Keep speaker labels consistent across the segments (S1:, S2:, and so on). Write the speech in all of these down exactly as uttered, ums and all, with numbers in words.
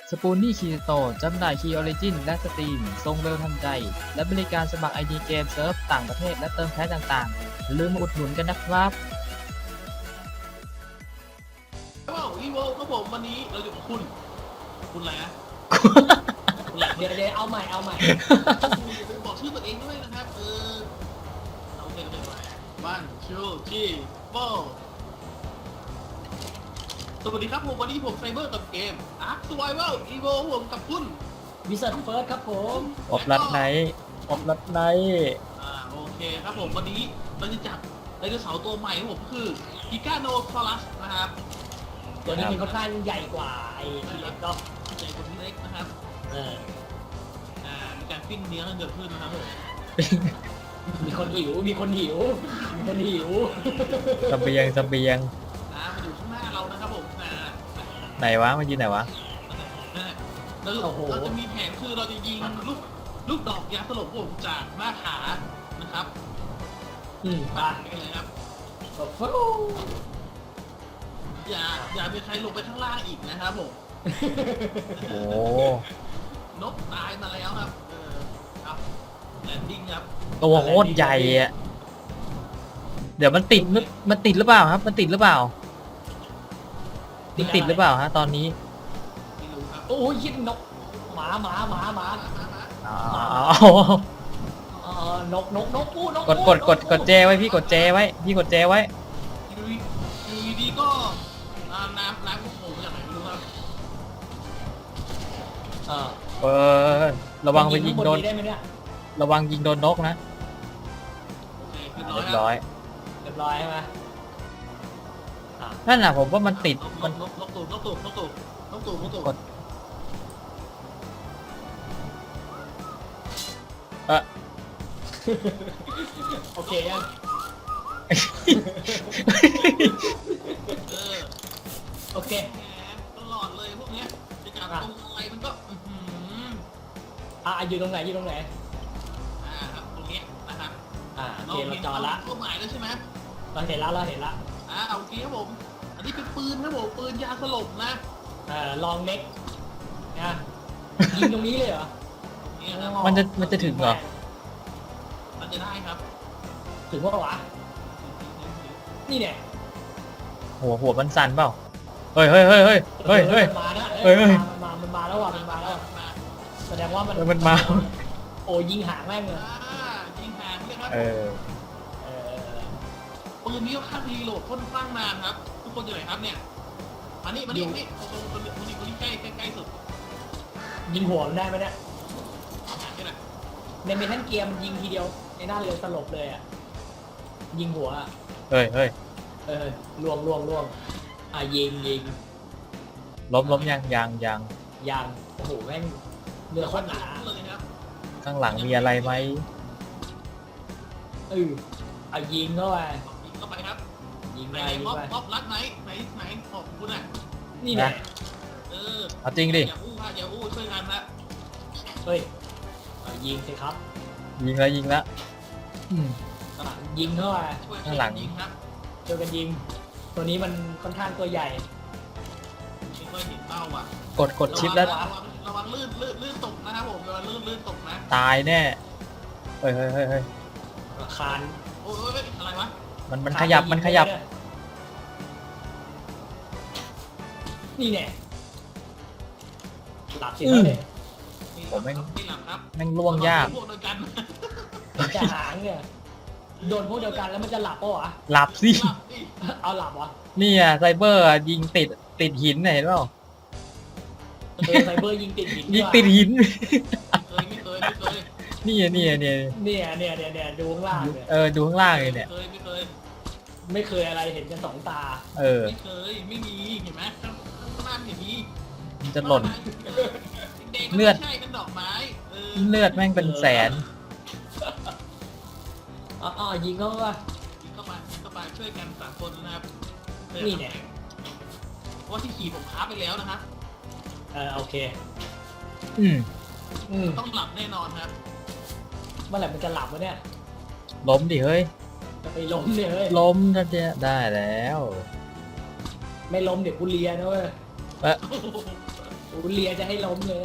S1: สปูนนี่คีโตจำหน่ายคีย์ออริจินและสตรีมส่งเร็วทันใจและบริการสมัคร ไอ ดี เกมเซิร์ฟต่างประเทศและเติมแพ็คต่างๆอย่าลืมมาอุดหนุนกันนะครับ
S2: ว้าวอีโวครับผมวันนี้เราอยู่กับคุณคุณอะไรนะคุณอะไร
S3: เดี๋ยวเดี๋ยวเอาใหม่เอาใหม่
S2: คุณบอกชื่อตัวเองด้วยนะครับเออเราเป็นเป็นอะไรบ้านชูชีโบสวัสดีครับผมวันนี้ผมไซเบอร์กับเกม Ark Survival Evo ผมกับคุณ
S3: วิสัทเฟิร์สครับผม
S1: อบรัดไนท์อบรัดไนท์
S2: อ่าโอเคครับผมวันนี้เราจะจับไดโนเสาร์ตัวใหม่ของผมก็คือกิกาโนซอรัสนะครับ
S3: ตัวนี้มันค่อนข้างใหญ่กว่าไอ้ทีเล็กก็
S2: ใหญ่กว่าที่เล็กนะครับ
S3: เออ
S2: อ่ามีการปิ้งเนื้อกันเกิดขึ้นนะครับผม
S3: มีคนหิวมีคนหิวมีคนหิว
S1: เสเบียงเสเบียง
S2: อ่ามาอยู่ข้างหน้าเรานะครับผมอ่า
S1: ไหนวะมันยืนไหนวะ
S2: เราเราจะมีแผนคือเราจะยิงลูกลูกดอกยาสลบผมจากหน้าขานะครับ
S3: อืม
S2: ไป
S3: ไป
S2: กันเลยครับ
S3: ฟู
S2: อย่าอย่ามีใครลงไปข้างล่างอีกนะครับผม
S1: โอ้
S2: นกตายมาแล้วครับเออครับแลนดิ้งครับ
S1: ตัวโคตรใหญ่อะเดี๋ยวมันติดหรือมันติดหรือเปล่าครับ มันติดหรือเปล่ามันติดหรือเปล่าฮะตอนนี้
S2: ไม่รู้ครับ
S3: โอ้ยยิงนกหมาหมาหมาหมา
S2: มามามา
S1: อ๋อ
S3: เออนกนกนกปูนก
S1: กดกดกดกดเจไว้พี่กดเจไว้พี่กดเจไว้
S2: อยู่ดีอยู่ดีก็อ่าน้ำน้ำก็โผล่มาจากไหนไม่รู้ครับ
S3: เออ
S1: เออระวังไปยิงโดน
S3: ได้ไหมเนี่ย
S1: ระวังยิงโดนนกนะ
S2: โอเคคือ
S1: เรียบ
S2: ร้
S1: ร้
S2: อ
S1: อย ย
S3: เรียบร้อยใช่ไหมอ่ะ
S1: นั่นน่ะผมว่ามันติด
S2: นก
S1: มัน
S2: นกนกตูดนกตูดนกตูดนกตูดนกตูด
S1: กด เออ
S3: โอเคยัง
S2: เออ
S3: โอเค
S2: แหมตลอดเลยพวกเนี้ยจะจับตรงอะไรมันก็อื้อหือ
S3: อ่ะอยู่ตรงไหนอยู่ตรงไหน
S2: อ่าครับตรงเนี้ยนะครับ
S3: อ่าโอเคเราจอละ
S2: เป้าหมายแล้วใช่ไหม
S3: เราเห็นแล้วเราเห็นละ
S2: อ่าโอเคครับผม อันนี้เป็นปืนครับผมปืนยาสลบนะ
S3: เอ่อลองเน็กนะยิงตรงนี้เลยเหรอ
S2: นี่ครับ
S1: มันจะมันจะถึงเหรอ
S2: มันจะได้ครับ
S3: ถึงว่าวะนี่เนี่ย
S1: หัวหัวมันสั่นเปล่าเฮ้ยเฮ้ยเฮ้ยเฮ้ยเฮ้ยเฮ้ย
S3: มันมานะ
S1: เฮ้ยเฮ้ย
S3: มันมามันมาแล้วว่ะมันมาแล้ว
S2: มา
S3: แสดงว่ามัน
S1: เออมันมา
S3: โอ้ยิงหางแม่งเลย
S2: อ่ายิงหางเลยครับ
S1: เออ
S3: เออ
S2: ปืนนี้ค่ารีโหลดค่อนข้างนานครับ ทุกคนอยู่ไหนครับเนี่ยมานี่มานี่มานี่ตรงตรงตรงตรงนี้ตรงนี้ใกล้ใกล้ใกล้สุด
S3: ยิงหัวมันได้ไหมเนี่ย
S2: อ่านี่แหละ
S3: ในเมทัลเกียร์มันยิงทีเดียวในหน้าเรือสลบเลยอ่ะยิงหัวอะ
S1: เฮ้ยเฮ้ย
S3: เออล่วงล่วงล่วงอ่ะยิงยิง
S1: ล้มล้มยังยังยัง
S3: ยางโอ้โหแม่งเรือโคตรหนา
S2: เลยครับ
S1: ข้างหลังมีอะไรไหม
S3: เออเอายิงเข้าไป
S2: ยิงเข้าไปครับ
S3: ยิง
S2: ไห
S3: ไป
S2: น
S3: ยิง
S2: ม็อบ
S3: ไป
S2: ม็อบรัดไหนไหนไหนของคุณอ่ะ
S3: นี่แหละ
S2: เออ
S1: เอาจริงดิ
S2: อย่าอู้ค่ะอย่าอู้ช่วยกันนะ
S3: เฮ้ยเอายิงสิครับ
S1: ยิงแล้วยิงแล้วอืม
S3: อ่ะยิงเข้าไป
S2: ช่วย
S1: ข้างหลัง
S2: ยิงครับ
S3: ช่วยกันยิง ตัวนี้มันค่อนข้างตัวใหญ่
S2: ไม่ค่อยเห็นเป้าอ่ะ
S1: กดกดชิปแล้ว
S2: ระวังระวังลื่นลื่นลื่นตกนะครับผมระวังลื่นลื่นตกนะ
S1: ตายแน่เฮ้ยเฮ้ยเฮ้ยเฮ้ย
S3: คาน
S2: โอ้ยอะไรวะ
S1: มันมันขยับมันขยับ
S3: นี่แน่หลับสิแล้วเนี่ย
S1: ผมแม่ง
S2: ไม่หลับครับ
S1: แม่งล่วงยาก
S2: พวกเดียวกัน
S3: มันจะหางเนี่ยโดนพวกเดียวกันแล้วมันจะหลับปะวะ
S1: หลับสิ
S2: หลับดิ
S3: เอาหลับวะ
S1: นี่อ่ะไซเบอร์อะยิงติดติดหินน่ะเห็นเปล่า
S3: เออไซเบอร์ยิงติดหิน
S1: ยิงติดหิน
S2: เคยไม่เคยไม่เคย
S1: นี่อ่ะนี่อ่ะเนี่ย
S3: เนี่ยเนี่ยเนี่ยเนี่ยดูข้างล่างเนี่ย
S1: เออดูข้างล่างเลยเนี่ย
S2: เคยไม่เคย
S3: ไม่เคยอะไรเห็นกันสองตา
S1: เออ
S2: ไม่เคยไม่มีเห็นไหมข้างข้างหน้าเห็นมี
S1: มันจะหล่น
S2: แดงๆ
S1: เลือด
S2: ไม่ใช่กันดอกไม้เออ
S1: เลือดแม่งเป็นแสน
S3: อ๋ออ๋อยิงเขาว่า
S2: ยิงเข้ามายิงเข้ามาช่วยกันสามคนนะครับ
S3: นี่เนี่ย
S2: เพราะว่าที่ขี่ผมค้าไปแล้วนะครับ
S3: เออโอเค
S1: อืม
S3: อืม
S2: ต้องหลับแน่นอนครับ
S3: เมื่อไหร่มันจะหลับวะเนี่ย
S1: ล้มดิเฮ้ย
S3: จะไปล้มเนี่ยเฮ้ย
S1: ล้มจะจะได้แล้ว
S3: ไม่ล้มเดี๋ยวกูเลียนะเว้ย
S1: เอ๊ะ
S2: โอ้โห
S3: กูกูเลียจะให้ล้มเลย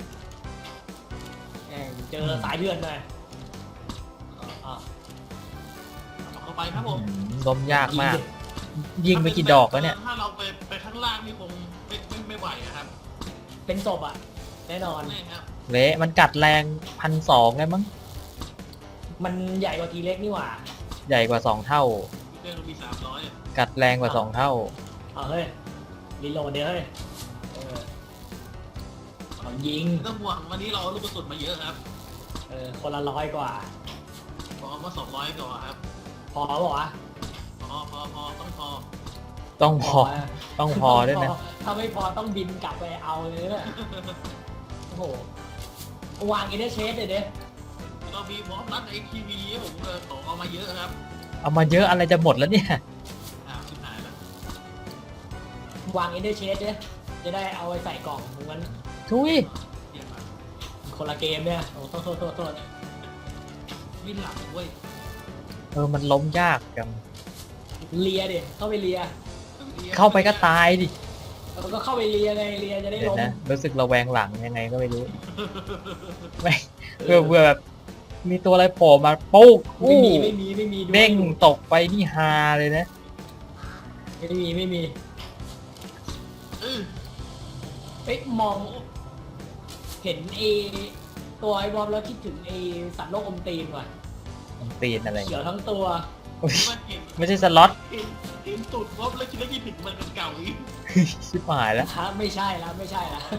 S3: แม่งเจอสายเลือดหน่อยอ่ะ
S2: เอาเข้าไปครับผม
S1: อืมล้มยากมาก ยิงไปกี่ดอกแล้วเนี่ย
S2: ถ้าเราไปไปข้างล่างนี่คงไม่ไม่ไม่ไหวอะครับ
S3: เป็นศพอ่ะ แน่นอน
S2: แน่ครับ
S1: เละมันกัดแรงพันสองเลยมั้ง
S3: มันใหญ่กว่าทีเล็กนี่หว่า
S1: ใหญ่กว่าสองเท่า
S2: เรื่องมีสามร้อย
S1: กัดแรงกว่าสองเท่า
S3: เอาเฮ้ยรีโหลดเดี๋ยวเฮ้ยเออเอายิง
S2: ต้องห่วงวันนี้เราเอาลูกกระสุนมาเยอะครับ
S3: เออคนละร้อยกว่า
S2: บอกว่าสองร้อยก่อนครับ
S3: พอบอกว่าวะ
S2: พอพอพอต้องพอ
S1: ต้องพอ
S3: นะ
S1: ต้องพอด้วยนะ
S3: ถ้าไม่พอต้องบินกลับไปเอาเลยเนี่ยโอ้โหวางอินเตอร์เชสเลยเด้
S2: เรามีวอล์กรัดไอทีวีผมเออขอเอามาเยอะครับ
S1: เอามาเยอะอะไรจะหมดแล้วเนี่ย
S2: อ้าวชิบหายแล้ว
S3: วางอินเตอร์เชสเด้จะได้เอาไปใส่กล่องมัน
S1: ทุย
S2: เดี๋ยวมา
S3: คนละเกมเนี่ยโอ้โทษโทษโทษโทษ
S2: วิ่งหลังเว้ย
S1: เออมันล้มยากจัง
S3: เลียดิเข้าไปเลีย
S1: เข้าไปก็ตายดิ
S3: แล้วก็เข้าไปเลียไงเลียจะได้
S1: เดี๋ยว
S3: ล้ม
S1: นะรู้สึกระแวงหลังยังไงก็ไม่รู้ ไม่เพื่อเพื่อแบบมีตัวอะไรโผล่มาปุ๊บ
S3: ไม่มีไม่มีไม่มีด้วย
S1: เด้งตกไปนี่ฮาเลยนะ
S3: ไม่มีไม่มี
S2: เออ
S3: เอ๊ะมอง เห็นเอตัวไอ้บอมแล้วคิดถึงไอสัตว์โลกอมตีนว่ะ
S1: มันตีนอะไร
S3: เขียวทั้งตัว
S2: ว่าเห็น
S1: ไม่ใช่สล็อต
S2: เห็นเห็นตูดวอล์กแล้วคิดว่ายี่ผิดมันเป็นเก่าอีก
S1: ชิบหายแล้ว
S3: ฮะไม่ใช่แล้วไม่ใช่แล้ว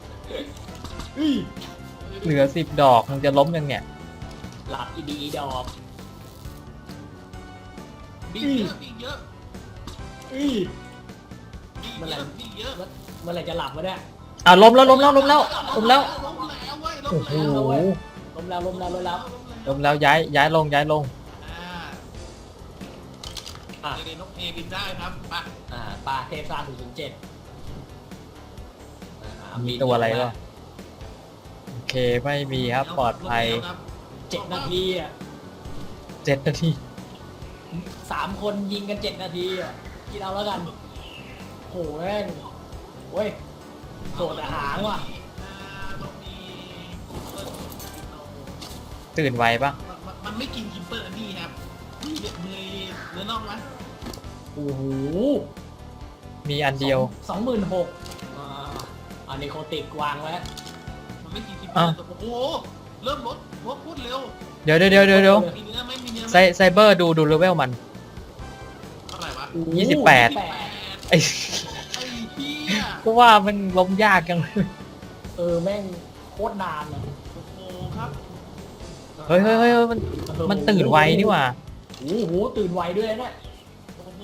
S1: เหลือสิบดอกมันจะล้มยังเนี่ย
S3: หลับอีดีอีดอก
S2: มีเยอะมีเยอะ
S3: อื้อ
S2: มีเยอะมีเยอะ
S3: เมื่อไหร่จะหลับวะเนี่ย
S1: อ่ะล้มแล้วล้มแล้วล้มแล้วล้มแล้ว
S2: ล้มแล้วเว้ยล้
S1: โอ้
S2: ม
S1: โห
S2: แล้ว
S3: ล้มแล้วล้มแล้วล้มแล้ว
S1: ล้มแล้วย้ายย้ายลงย้ายลง
S2: อ่า
S3: อ่ะ
S2: เดี๋ยวนกเอบินได้ครับไป
S3: อ่าปลาเทพซ่าศูนย์ศูนย์เจ็ด
S1: มีตัวอะไรก็โอเคไม่มีครับปลอดภัย
S2: ล้มแล้วครับ
S3: เจ็ดนาทีอ่ะ
S1: เจ็ดนาที
S3: สามคนยิงกันเจ็ดนาทีอ่ะกินเอาแล้วกันโหแม่งเว้ยโสดอาหารว่ะ
S2: อ่าต้องมีเปิ้ล
S1: ตื่นไวปะ
S2: มันมันมันไม่กินคิมเปอร์อันนี้ครับมีเนื้อเนื้อน่องไหม
S3: โอ้โห
S1: มีอันเดียว
S3: สองหมื่นหกอ่าอันนี้โคติกวางไว้
S2: มันไม่กินคิมเปอร์แต่โอ้โหเริ่มลดลดพูดเร็ว
S1: เดี๋ยวเดี๋ยวเดี๋ยวเดี๋ยวเดี๋ยว
S2: มีเนื้อไหมมีเนื้อไหม
S1: ไซไซเบอร์ดูดูเลเวลมัน
S2: เท่าไหร่วะ
S3: โอ้โห
S1: ยี่สิบแปด
S2: แปด
S1: ไอ้
S2: ไอ้เหี้ย
S1: ก็ว่ามันล้มยากจังเลย
S3: เออแม่งโคตรนานอ่ะ
S2: โอ้โหครับ
S1: เฮ้ยเฮ้ยเฮ้ยเฮ้ยมันมันตื่นไวนี่หว่า
S3: โอ้โหตื่นไวด้วยนะเนี่ย
S2: โอ้โห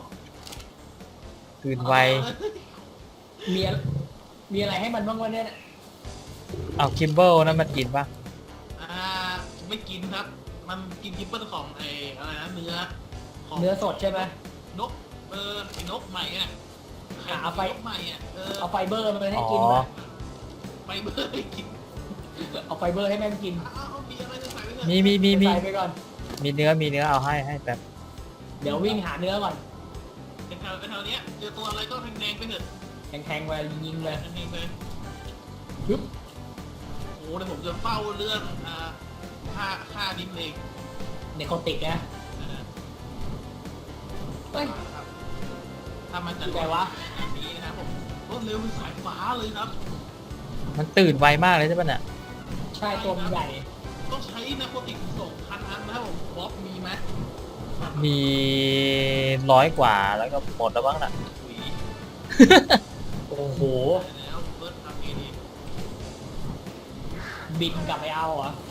S1: ตื่นไว
S3: มีอะไรมีอะไรให้มันบ้างวะเนี่ย
S1: เอาคิมเบิลนั้นมันกินปะ
S2: อ่าไม่กินครับ มันกินคิปเปิลของไอ้อะไรนะเนื้อของ
S3: เนื้อสดใช่ไหม
S2: นกเออไอ้นกใหม่อ่ะ
S3: อ่ะเอาไป
S2: นกใหม่อ่ะเออ
S3: เอาไฟเบอร์มาให้
S1: อ๋อ
S3: กินป่ะ
S2: ไปเบอร์ให้กิน
S3: เอาไฟเบอร์ให้แม่งกิน
S2: อ้าวมีอะไรจะใส่ไว้เถอะ
S1: มีมีมีมี
S3: ใส่ไปก่อน
S1: มีเนื้อมีเนื้อเอาให้ให้แบบ
S3: เดี๋ยววิ่งหาเนื้อก่อน
S2: เป็นแถวเป็นแถวเนี้ยเจอตัวอะไรก็แดงๆไปเถอะ
S3: แทงๆไปยิงๆเลย
S2: แดงๆไป
S3: ปึ๊บ
S2: โอ้โหเดี๋ยวผมจะเฝ้าเรื่องอ่าค่าค่าดิมเอง
S3: ในโคติกนะ
S2: นะฮะ
S3: เฮ้ย
S2: ครับถ้ามันจะ
S3: คือไงวะ
S2: แบบนี้นะครับผมรวดเร็วเป็นสายฟ้าเลยครับ
S1: มันตื่นไวมากเลยใช่ปะเนี่ย
S3: ใช่ตัวมันใหญ่
S2: ต้องใช้นาโคติกสองพันอันนะครับผมบ๊อบมีไหม
S1: มีร้อยกว่าแล้วก็หมดแล้วบ้างน่ะ
S2: ถุย
S3: โอ้โห
S2: แล้วเบิร์ดทำเองดี
S3: บินกลับไปเอาเหรอ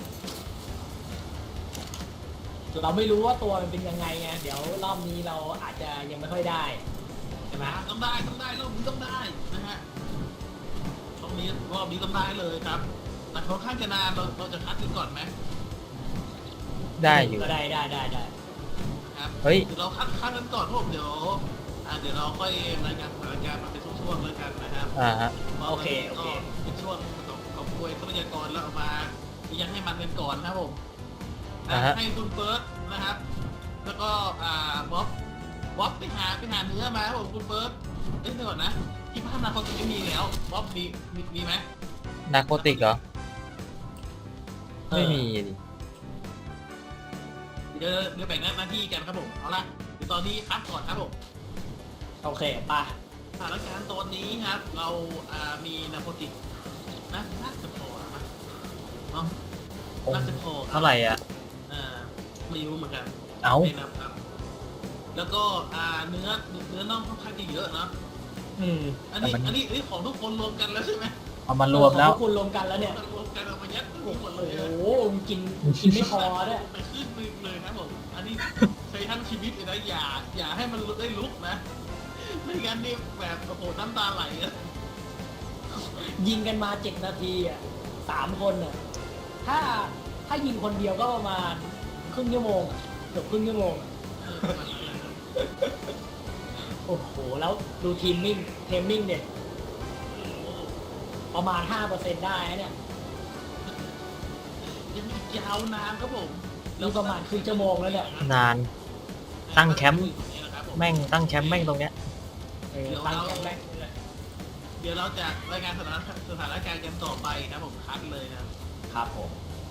S3: เราไม่รู้ว่าตัวมันเป็นยังไงไงเดี๋ยวรอบนี้เราอาจจะยังไม่ค่อยได้ใช่ไหม
S2: ต้องได้ต้องได้รอบนี้ต้องได้นะฮะรอบนี้รอบนี้ต้องได้เลยครับแต่ค่อนข้างจะนานเราเราจะคัดกันก่อนไหม
S1: ได้อยู่
S3: ก็ได้ได้ได้ได้
S2: นะครับ
S1: เฮ้ย
S2: เดี๋ยวเราคัดคัดกันก่อนครับผมเดี๋ยวอ่าเดี๋ยวเราค่อยรายงานสถานการณ์มาเป็นช่วงๆแล้วกันนะครับ
S1: อ่าฮะ
S3: โอเคโอเค
S2: ก็เป็นช่วงของของกวยทรัพยากรแล้วเอามายังให้มันกันก่อนนะครับผม
S1: อ่าฮะ
S2: ให้คุณเฟิร์สนะครับ แล้วก็อ่าบ๊อบบ๊อบไปหาไปหาเนื้อมาครับผมคุณเฟิร์สเอ้ยเดี๋ยวก่อนนะที่บ้านนาโคติกไม่มีแล้วบ๊อบมีมีมีไหม
S1: นาโคติกเหรอ ไม่มีดิ
S2: เดี๋ยวเดี๋ยวแบ่งหน้าที่กันครับผมเอาละเดี๋ยวตอนนี้พักก่อนครับผม
S3: โอเคไป
S2: สถานการณ์ตอนนี้ครับ เราอ่ามีนาโคติกนะน่าจะพอนะเนาะน่าจะพอครับ
S1: เท่าไหร่อ่ะ
S2: อ่าไม่รู้เหมือนกัน
S1: เอ้า
S2: ไม่นับครับ แล้วก็อ่าเนื้อเนื้อน่องค่อนข้างจะเยอะนะ
S3: อืม
S2: อันนี้
S1: แต่มัน
S2: อันนี้อันนี้ของทุกคนรวมกันแล้วใช่ไหม
S1: เอามารวมแล้ว
S3: ของพกคุณรวมกันแล้วเนี่ย
S2: รวมกันเอามายัดที่นี่หมดเล
S3: โอ้
S2: ย
S3: โห
S2: อะ
S3: กินกินไม่พอด้วย
S2: ไปขึ้นมือเลยครับผม อันนี้ใช้ทั้งชีวิตเลยนะอย่าอย่าให้มันได้ลุกนะไม่งั้นนี่แบบโอ้โหน้ำตาไหลอะ
S3: ยิงกันมาเจ็ดนาทีอ่ะสามคนอ่ะถ้าถ้ายิงคนเดียวก็ประมาณครึ่งชั่วโมงอะเกือบครึ่งชั่วโมงอะ
S2: เออประมาณนั้นเลยครับ
S3: โอ้โห แล้วดูทีมมิ่งเทมมิ่งเนี่ยประมาณ ห้าเปอร์เซ็นต์ ได้นะเนี่ย
S2: ยังอีกยาวนานครับผม
S3: นี่ประมาณครึ่งชั่วโมงแล้วเนี่ย
S1: นาน ตั้งแคมป์
S2: นะครับผม
S1: แม่งตั้งแคมป์แม่งตรงเนี้ย
S3: เออตั้งแคมป์แรกเลย
S2: เดี๋ยวเราจะรายงานสถานสถานการณ์กันต่อไปนะผมคัดเลยนะครับ
S3: ครับผม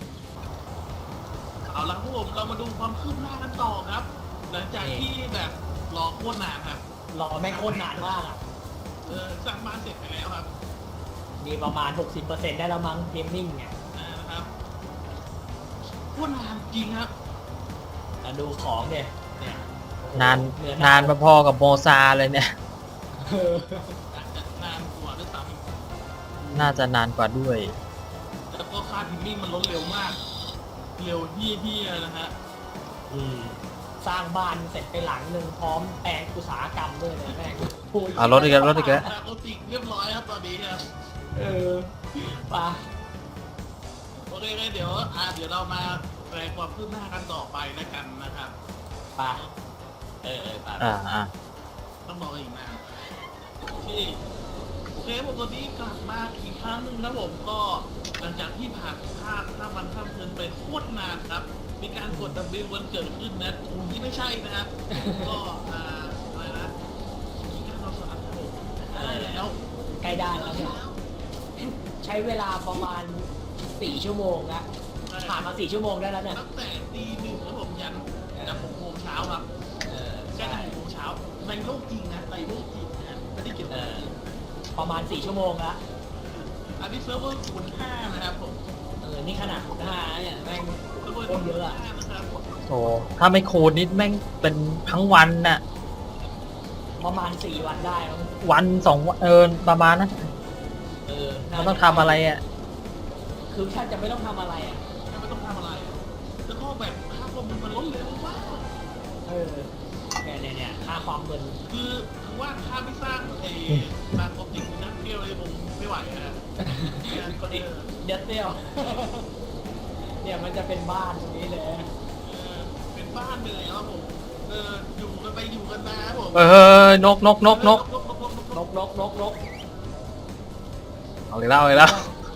S2: เอาละครับผมเรามาดูความคืบหน้ากันต่อครับ หลังจากที่แบบรอโคตรนานครับ
S3: รอแม่งโคตรนานมากอ่ะ
S2: เออสร้างบ้านเสร็จไปแล้วครับ
S3: มีประมาณ หกสิบเปอร์เซ็นต์ ได้แล้วมั้งเทมมิ่งเนี่ย
S2: อ่านะครับโคตรนานจริงครับ
S3: แล้วดูของเนี่ยเนี่ยโอ้โห
S1: นาน
S3: เนื้อ
S1: นานพอๆกับโมซาเลยเนี่ย
S3: เออ
S2: อาจจะนานกว่าด้วยซ้
S1: น่าจะนานกว่าด้วย
S2: ำแล้วก็ค่าทิมมิ่งมันลดเร็วมาก เร็วที่ที่นะฮะ
S3: อืมสร้างบ้านเสร็จไปหลังหนึ่งพร้อมแปลงอุตสาหกรรมด้วยเลยแม่งพูด
S1: เอารถอีกแล้วรถอีกแล้ว
S2: นาโคติกเรียบร้อยครับตอนนี้ครับ
S3: เออไป
S2: โอเคงั้นเดี๋ยวอ่าเดี๋ยวเรามาแปลความคืบหน้ากันต่อไปแล้วกันนะครับ
S3: ไปเออเออไป
S1: อ่าอ่า
S2: ต้องบอกอีกนานโอเคโอเคผมตอนนี้กลับมาอีกครั้งหนึ่งนะผมก็หลังจากที่ผ่านข้ามข้ามวันข้ามคืนไปโคตรนานครับ มีการกดดับเบิลวันเกิดขึ้นนะที่ไม่ใช่นะครับ ก็อ่าอะไรนะมีการเราสลับครับผมได้แล้ว
S3: ใกล้ได้แล้วเนี่ยใช้เวลาประมาณสี่ชั่วโมงนะผ่านมาสี่ชั่วโมงได้แล้วเนี่ย
S2: ตั้งแต่ตีหนึ่งครับผมยันจากหกโมงเช้าครับ
S3: เออ
S2: ใช่
S3: ใช่
S2: หกโมงเช้าในโลกจริงนะในโลกจริงนะไม่ได้เกี่ยว
S3: เอ
S2: กับ
S3: อประมาณสี่ชั่วโมงละ
S2: อันนี้เซิร์ฟเวอร์คูณห้านะครับผม
S3: เออนี่ขนาดคุณห้าเนี่ยแม่ง
S2: เซิร์ฟเวอร์
S3: โค
S2: คู
S3: ตร
S2: ณ
S3: เยอะอะ
S2: ห้านะครับ
S1: โอ้ถ้าไม่คูณนิดแม่งเป็นทั้งวันน่ะ
S3: ประมาณสี่วันได้มั้ง
S1: วันสองวันเออประมาณนั้น
S3: เออ
S1: มันต้องทำอะไรอ่ะ
S3: คือแทบจะไม่ต้องทำอะไรอ่ะ
S2: ไม่ต้องทำอะไร แล้วก็แบบค่าข้อมูลมันลดเร็วมาก
S3: เออเนี่ยเนี่ยเนี่ยค่าความเงิน
S2: คือคือว่าถ้าไม่สร้างไอ้ตามความจริงนักเที่ยวเลยผมไม่ไหวนะ
S3: ก็ดิเด็ดเดียว เนี่ยมันจะเป็นบ้านตรงนี้เลย
S2: เออเป็นบ้านไปแล้วครับผมเอออยู่กันไปอยู่กันมาครับผม
S1: เออนกนกนกนก
S2: นกนกนกนก
S3: นกนกนกนก
S1: เอาอีกแล้วเอาอีกแล้ว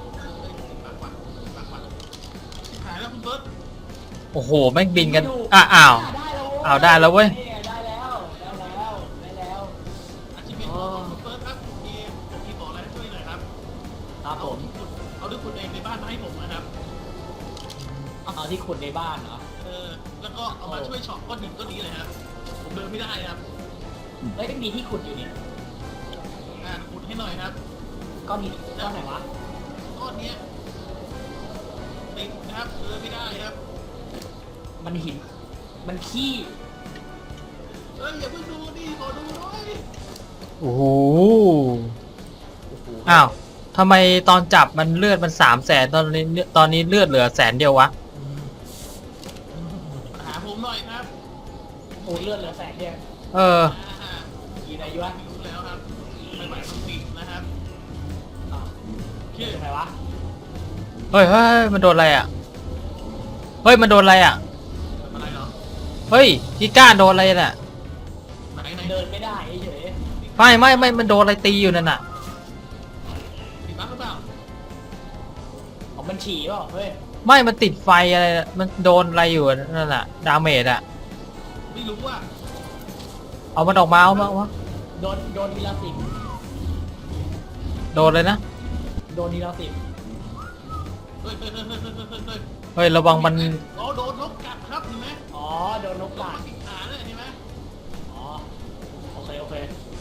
S2: หายแล้วคุณเบิร์ต
S1: โอ้โหแม่งบินกันอ่ะอ้าว
S3: ได้แล้ว
S1: อ้าวได้แล้วเว้ย
S3: นี่ไงได้แล้วได้แล้วได้แล้ว
S2: อาชีพเป็นของคุณเบิร์ตครับผมมีผมมีบอกอะไรให้ช่วยหน่อยครับ
S3: ครับผม
S2: เอาด้วยคุณเองในบ้านมาให้ผมนะครับ
S3: เอาที่ขุดในบ้านเหรอ
S2: เออแล้วก็เอามาช่วยเฉาะก้อนหินก้อนนี้เลยครับผมเดินไม่ได้ครับ
S3: เฮ้ยมีที่ขุดอยู่นี่
S2: อ่าขุดให้หน่อยครับ
S3: ก้อนหินก้อนไหนวะ
S2: ก้อนเนี้ยติดนะครับเดินไม่ได้ครับ
S3: มันหิน มันขี้
S2: เอ้ยอย่าเพิ่งดูดิขอดูหน่อย
S1: โอ้โหอ้าวทำไมตอนจับมันเลือดมันสามแสนตอนนี้ตอนนี้เลือดเหลือแสนเดียววะ
S2: หาผมหน่อยครับ
S3: โอ้เลือดเหลือแสนเดียว
S1: เออ
S2: อ่า
S3: กี่ไหนยวะ
S2: ไม่รู้แล้วครับไม่ไหวต้องติดนะครับ
S3: อ้าว
S2: โอเค
S3: คืออะไรวะ
S1: เฮ้ยเฮ้ยมันโดนอะไรอ่ะ เฮ้ยมันโดนอะไรอ่ะ
S2: ทำอะไรเหรอ
S1: เฮ้ยพี่ก้าโดนอะไรน่ะ
S2: ไหนไหน
S3: เดินไม่ได้เฉย
S1: ไม่ไม่ไม่มันโดนอะไรตีอยู่นั่นน่ะ
S2: ติดบ้างหรือเปล่า
S3: ๆอ๋อมันฉี่เปล่าเฮ้ย
S1: ไม่มันติดไฟอะไรน่ะมันโดนอะไรอยู่นั่นน่ะดาเมจอ่ะ
S2: ไม่รู้ว่า
S1: เอามันออกมาเอามาเอามา
S3: โดนโดนทีละสิบ
S2: โ
S1: โดนเลยนะ
S3: โดนทีละสิบ
S2: เฮ้ยเฮ้ยเฮ้ยเฮ้ยเฮ้ยเฮ้ยเฮ้ย
S1: เฮ้ยระวังมัน
S2: อ๋อโดนนกกัดครับเห็นไหม
S3: อ๋อโดนนก
S2: นก
S3: กัด
S2: มันติดขาเลยเห็นไหม
S3: อ๋อโอเคโอเค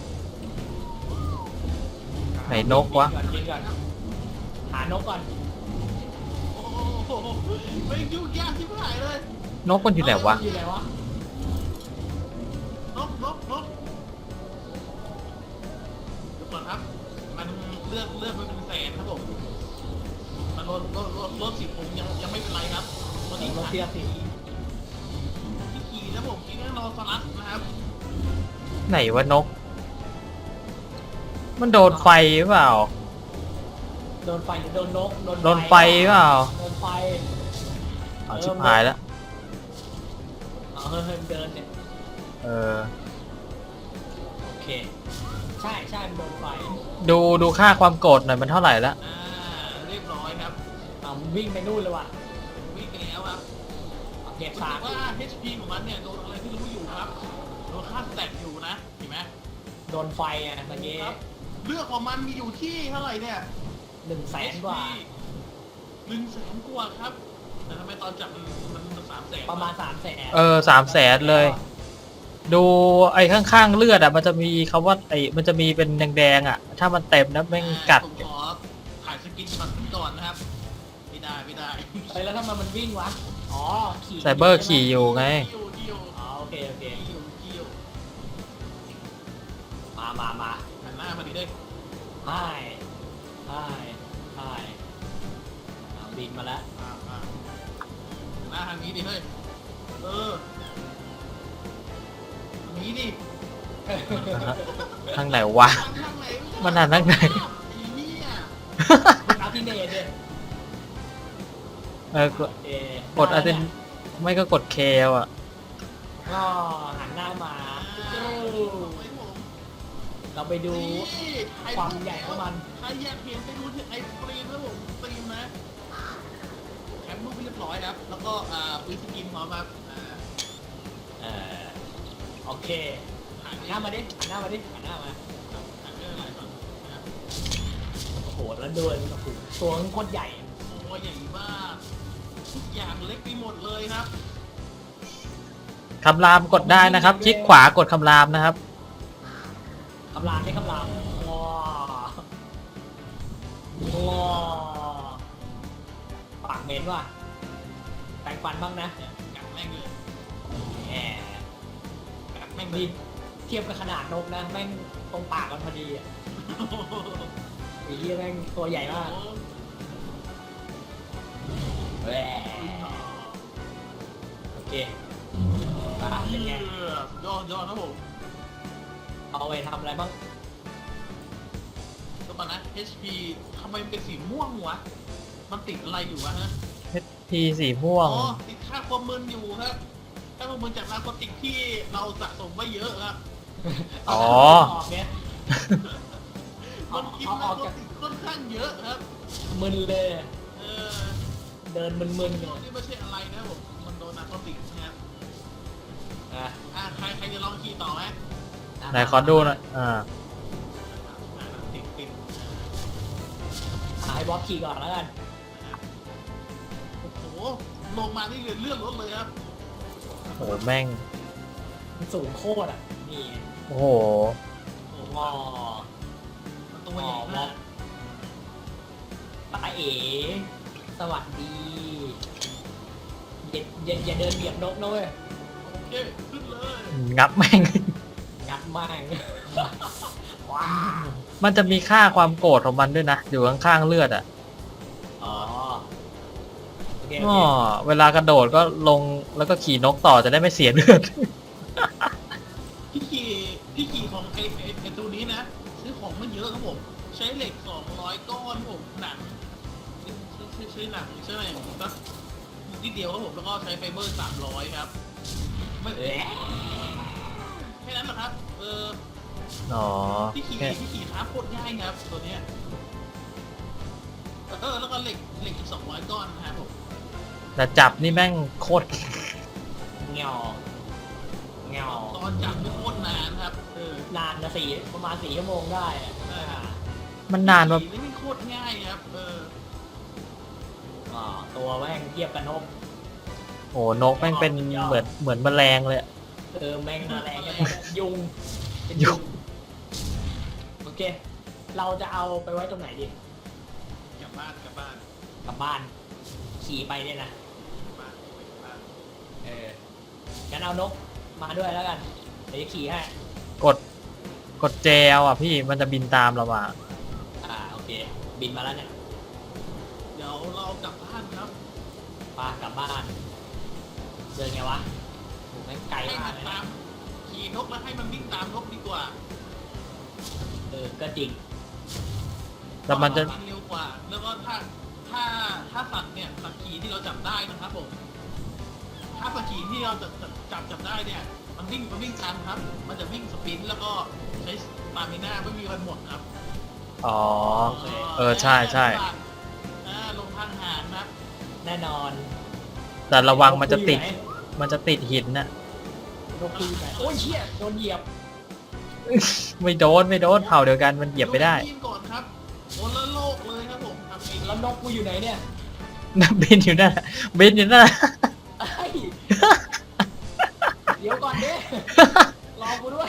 S1: ไหนนกวะ
S3: ยิงก่อนยิงก่อนหานกก่อน
S2: โอ้โหไม่ยุ่งยากที่ไหนเลย
S1: นกมันอยู่ไหนวะ
S3: อยู่ไหนวะ
S2: นกนกนกเดี๋ยวก่อนครับ มันเลือกเลือกไปเป็นแสนครับผมมันลดลดลดลดสิบผมยังยังไม่เป็นไรครับวันนี้
S3: นกเทียบสิ
S2: ที่ขี่นะผมขี่แน่นอนสลัดนะครับ
S1: ไหนวะนก มันโดนไฟหรือเปล่า
S3: โดนไฟหรือโดนนก
S1: โดนไฟหรือเปล่า
S3: โดนไฟ
S1: เอาชิบหายแล้ว
S3: เอาเฮ้ยเฮ้ยเดินเนี่ย
S1: เออ
S3: โอเค ใช่ใช่มันโดนไฟ
S1: ดูดูค่าความโกรธหน่อยมันเท่าไหร่แล้ว
S2: อ่าเรียบร้อยครับ
S3: เอาวิ่งไปนู่นเลยว่ะ
S2: วิ่งไปแล้วครับ
S3: เอาเก็บ
S2: รู้
S3: สา
S2: สึ
S3: ก
S2: กว่า เอช พี ของมันเนี่ยโดนอะไรที่รู้อยู่ครับโดนค่าสแต็กอยู่นะเห็นไหม
S3: โดนไฟอ่ะตะเกีย
S2: ครับเลือกของมันมีอยู่ที่เท่าไหร่เนี่ย
S3: หนึ่งแสนกว่า
S2: หนึ่งแสนกว่าครับ แต่ทำไมตอนจับมันมันสามแสน
S3: ประมาณสามแสน
S1: เออสามแสนเลย ดูไอ้ข้างๆเลือดอ่ะมันจะมีคำว่าไอ้มันจะมีเป็นแดงๆอ่ะ ถ้ามันเต็มนะแม่งกัด
S2: ผมขอถ่ายสกินมันก่อนนะครับ ไม่ได้ไม่ได้
S3: เฮ้ยแล้วทำไมมันวิ่งวะ อ๋อ ขี่
S1: ไซเบอร์ขี่อยู่ไง
S2: คิวคิว
S3: อ๋อโอเคโอเค
S2: คิวคิว
S3: มามามา
S2: หันหน้ามาดิเด้
S3: ใช่ใช่ใช่เอาบินมาแล้ว
S2: อ่าอ่าหันหน้าทางนี้ดิเฮ้ย เออทางนี้ดิ
S1: ทางไหนวะ
S2: ทางไหน
S1: มันหันทางไหน
S2: อีเนี่ย
S3: คุณเอาที่เนตเนี่ย
S1: เออกด
S3: เอ๊ะ
S1: กดอาเซนไม่ก็กดเคอ่ะ
S3: ก็หันหน้ามา
S2: อ่า
S3: เอ้าเราไปดู
S2: นี่
S3: ความใหญ่ของมัน
S2: ใครอยากเห็นไปดูที่ไอสตรีมนะผมสตรีมนะแคปรูปเรียบร้อยครับ แล้วก็อ่าปืนสกินพร้อมครับอ่า
S3: เอ่อโอเคหันหน้ามาดิหันหน้ามาดิหันหน้ามา
S2: อ่านเรื่องอะไรก่อนนะครับ
S3: โอ้โหแล้วเดินโอ้โหตัวมันโคตรใหญ่
S2: โอ้ยใหญ่มากทุกอย่างเล็กไปหมดเลยครับ
S1: คำรามกดได้นะครับ คลิกขวากดคำรามนะครับ
S3: คำรามได้คำรามว้าว้าปากเหม็นว่ะแปรงฟันบ้างนะ
S2: เนี่ยกัดแม่งเลย
S3: แหม
S2: กัดแม่งเล
S3: นี่
S2: ย
S3: เทียบกับขนาดนกนะแม่งตรงปากมันพอดีอ่ะไอ้เหี้ยแม่งตัวใหญ่มากแหมโอเคอ่ะเป็นไง
S2: ยอดยอดครับผม
S3: เอาไปทำอะไรบ้าง
S2: ก็ตอนนะ เอช พี ทำไมมันเป็นสีม่วงวะ มันติดอะไรอยู่วะฮะ
S1: ทีสีม่ว
S2: อ๋
S1: ง
S2: อ ติดค่าความมึนอยู่ครับค่าความมึนจากนาร์โคติกที่เราสะสมไว้เยอะครับ
S1: อ๋อ
S3: ออกเนี่ย เอา
S2: มันกิน
S3: เอา
S2: นา
S3: ออ
S2: ร์
S3: ก
S2: โค
S3: จาก
S2: ติกค่อนข้างเยอะครับ
S3: มึนเลย
S2: เออ
S3: เดินมึนๆ
S2: พ
S3: เนี่
S2: วย กนี่ไม่ใช่อะไรนะผม มันโดนนาร์โคติกนะครับ
S3: อ่ะ
S2: อ่าใครใครจะลองขี่ต่อไหม
S1: ไหนขอดูหน่อยอ่า
S2: อ่าติดติด
S3: หายบอสขี่ก่อนแล้วกัน
S2: โอ้โห ลงมานี่เลือดเลือดรถเลยครับ
S1: โอ้โหแม่ง
S3: มันสูงโคตรอ่ะ นี่
S1: โอ้โห
S2: โอ้โห
S3: งอ
S2: มันตัวใหญ่มาก
S3: ตาเอ๋สวัสดี อย่าอย่าอย่าเดินเบียดนกนะเว้ย
S2: โอเค ขึ้นเลย
S1: งับแม่ง
S3: งัดมาก ว้าว
S1: มันจะมีค่าความโกรธของมันด้วยนะ อยู่ข้างๆเลือดอ่ะ
S3: อ๋อโอเคโอ
S1: อ๋อ
S3: เค
S1: เวลากระโดดก็ลงแล้วก็ขี่นกต่อจะได้ไม่เสียเลือด
S2: พี่ขี่พี่ขี่ของไอ้ไอ้ไอ้ตัวนี้นะ ซื้อของมันเยอะครับผม ใช้เหล็กสองร้อยก้อนครับผมหนังซื้อซื้อซื้อหนังใช่ไหมก็นิดเดียวครับผมแล้วก็ใช้ไฟเบอร์สามร้อยครับไม่
S3: เอ๊ะ
S2: แค่นั้นนะครับ เออ
S1: อ๋อ
S2: พี่ขี่
S1: แค่
S2: พี่ขี่ท้าโคตรง่ายครับตัวเนี้ยเออแล้วก็เหล็กเหล็กอีกสองร้อยก้อนนะครับผม
S1: แต่จับนี่แม่งโคตร
S3: เงาเงา
S2: ตอนจับไม่โคตรนานครับ เออน
S3: านนะสี่ประมาณสี่ชั่วโมงได้อะอ่า
S1: มันนานมา
S2: ขี่นี่โคตรง่ายครับเออ
S3: อ่าตัวแม่งเทียบกันนก
S1: โอ้นกแม่งเป็นเหมือนเหมือนแมลงเลยอะ
S3: เออแม่งมาแรงกันยุงเป็น
S1: ยุง
S3: โอเค เราจะเอาไปไว้ตรงไหนดี
S2: กลับบ้านกลับบ้าน
S3: กลับบ้านขี่ไปเนี่ยนะ
S2: กลับบ้านกลับบ้าน
S3: เอองั้นเอานกมาด้วยแล้วกันเดี๋ยวจะขี่ให้
S1: กดกดเจลอ่ะพี่มันจะบินตามเรามา
S3: อ่าโอเค บินมาแล้วเนี่ย
S2: เดี๋ยวเรากลับบ้านครับ
S3: ปากลับบ้านเดินไงวะโหแม่งไกล
S2: ให้
S3: มา
S2: มั
S3: ก
S2: น
S3: เลย
S2: ตา
S3: นะ
S2: มขี่นกแล้วให้มันวิ่งตามนกดีกว่า
S3: เออก็จริง
S1: แต่มันจะ
S2: เร็วกว่า แล้วก็ถ้าถ้าถ้าสัตว์เนี่ยสัตว์ขี่ที่เราจับได้นะครับผมถ้าสัตว์ขี่ที่เราจะจับจับได้เนี่ยมันวิ่งมันวิ่งตามครับ มันจะวิ่งสปรินต์แล้วก็ใช้สตามิน่าไม่มีวันหมดครับ
S1: อ๋อ เออใช่ใช่
S2: อ่าลงทางหารครับ
S3: แน่นอน
S1: แต่ระวังมันจะติดมันจะติดหินน่ะ
S3: นกคุยไหนโอ้ยเชี่ยโดนเหยียบ
S1: ไม่โดนไม่โดนเผ่าเดียวกันมันเหยียบไม่ได้
S2: ยิงก่อนครับคนละโลกเลยครับผมทำเอง
S3: แล้วนกกูอยู่ไหนเนี่ย
S1: บินอยู่นั่นน่ะบินอยู่นั่นน่ะ
S3: ไอ้ยเดี๋ยวก่อนเด้รอกูด้วย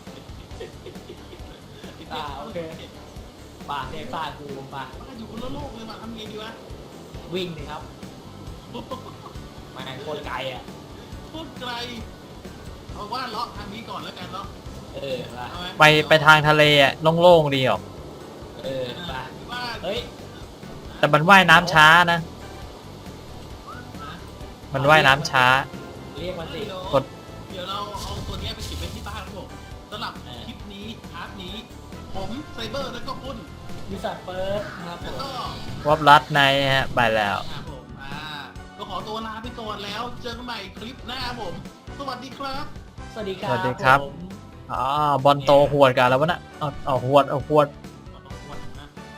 S3: อ่าโอเค ป่าเรียกป่ากูป่า
S2: มันอยู่คนละโลกเลยมาทำไงดีวะ
S3: วิ่งเลยครับแม่งโคตรไกลอ่ะ
S2: พูดไกลเอาว่าเลาะทางนี้ก่อนแล้วกันเนาะ
S3: เออป่ะ
S2: เอาหม
S1: ไปไปทางทะเลอ่ะโล่งๆดีออก
S3: เออป่ะ
S2: หรือว่า
S3: เฮ้ย
S1: แต่มันว่ายน้ำช้านะ
S2: นะ
S1: มันว่ายน้ำช้า
S3: เรียกมันสิ
S2: เดี๋ยว
S1: กด
S2: เดี๋ยวเราเอาตัวเนี้ยไปเก็บไว้ที่บ้านครับผมสำหรับ
S3: เออ
S2: คลิปนี้พาร์ทนี้ ผมไซเบอร์แล้วก็คุณ
S3: วิสัทเฟิร์สครับผ
S2: แล้ว
S3: ม
S2: ก็
S1: วับรัดในฮะไปแล้ว
S2: ครับผมอ่าก็ขอตัวลาไปก่อนแล้ว เจอกันใหม่คลิปหน้าครับผม สวัสดีครับ
S3: สวัสดีครับ
S1: สวัสดีครับ
S3: ผม
S1: อ๋อบอลโตหวดกันแล้ววะน่ะเอาเอาหวดเอาหวด
S2: วันนะ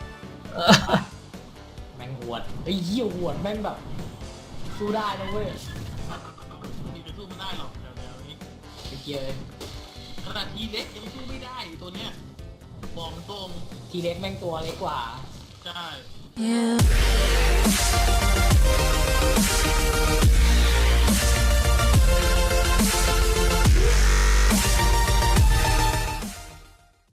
S3: แม่งหวดไอ้ยเหี้ยหวดแม่งแบบ สู้ได้นะเว้ย
S2: มีไปสู้ไม่ได้หรอกเดี๋ยวเดี๋ยวนี้
S3: ไอ้เกียร์
S2: ขนาดทีเล็กยังสู้ไม่ได้ตัวเนี้ยบอกตรง
S3: ทีเล็กแม่งตัวเล็กกว่า
S2: ใช่
S4: You